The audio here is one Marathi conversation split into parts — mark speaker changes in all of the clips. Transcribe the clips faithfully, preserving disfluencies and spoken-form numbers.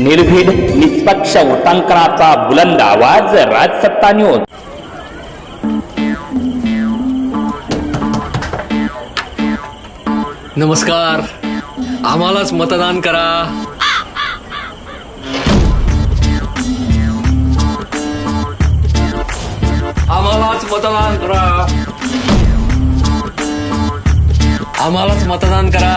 Speaker 1: निर्भीड निष्पक्ष वृत्तांकनाचा बुलंद आवाज राजसत्ता न्यूज।
Speaker 2: नमस्कार, आम्हालाच मतदान करा। आम्हालाच मतदान करा। आम्हालाच मतदान करा।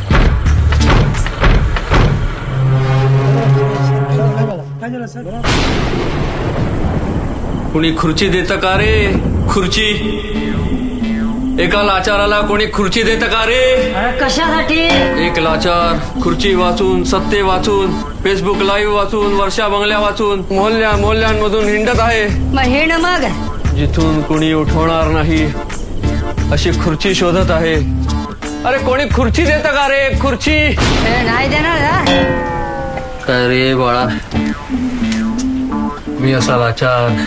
Speaker 2: कोणी खुर्ची देतं का रे? खुर्ची एका लाचाराला कोणी खुर्ची देतं का रे?
Speaker 3: कशासाठी?
Speaker 2: एक लाचार खुर्ची वाचून, सत्ते वाचून, फेसबुक लाईव्ह वाचून, वर्षा बंगल्या वाचून मोहल्ल्या मोहल्ल्यांमधून हिंडत आहे।
Speaker 3: मग हिंड मग
Speaker 2: जिथून कोणी उठवणार नाही अशी खुर्ची शोधत आहे। अरे कोणी खुर्ची देतं का रे? खुर्ची
Speaker 3: हे नाही देणार हा?
Speaker 2: काय रे बाळा, मी असा लाचार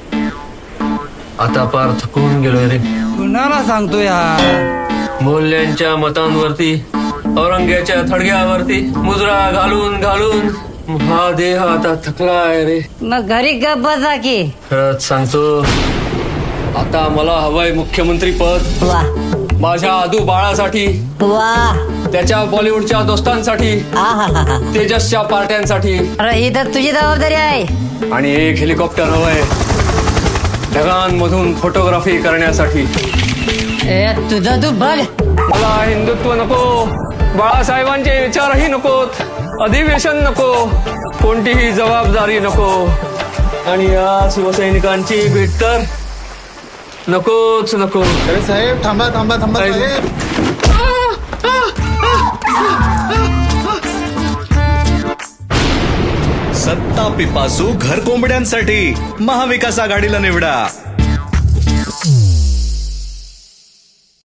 Speaker 2: आता पार थकून गेलोय रे।
Speaker 4: कुणाला सांगतो यार?
Speaker 2: मोल्यांच्या मतांवरती, औरंग्याच्या थडग्यावरती मुजरा घालून घालून हा देह आता थकलाय रे।
Speaker 3: मग घरी गप बसा की।
Speaker 2: खरंच सांगतो, आता मला हवंय मुख्यमंत्री पद।
Speaker 3: वा
Speaker 2: माझ्या आदू बाळासाठी,
Speaker 3: वा
Speaker 2: त्याच्या बॉलिवूडच्या दोस्तांसाठी,
Speaker 3: आहाहाहा.
Speaker 2: तेजसच्या पार्ट्यांसाठी,
Speaker 3: अरे ही तर तुझी जबाबदारी आहे।
Speaker 2: आणि एक हेलिकॉप्टर हवंय ढगांमधून फोटोग्राफी करण्यासाठी।
Speaker 3: ए तुझं तू बघ।
Speaker 2: मला हिंदुत्व नको, बाळासाहेबांचे विचारही नकोत, अधिवेशन नको, कोणतीही जबाबदारी नको, आणि या शिवसैनिकांची भेट तर नकोच नको।
Speaker 5: अरे साहेब थांबा थांबा थांबा साहेब।
Speaker 6: सत्ता पिपासू घर कोंबड्यांसाठी महाविकास आघाडीला निवडा।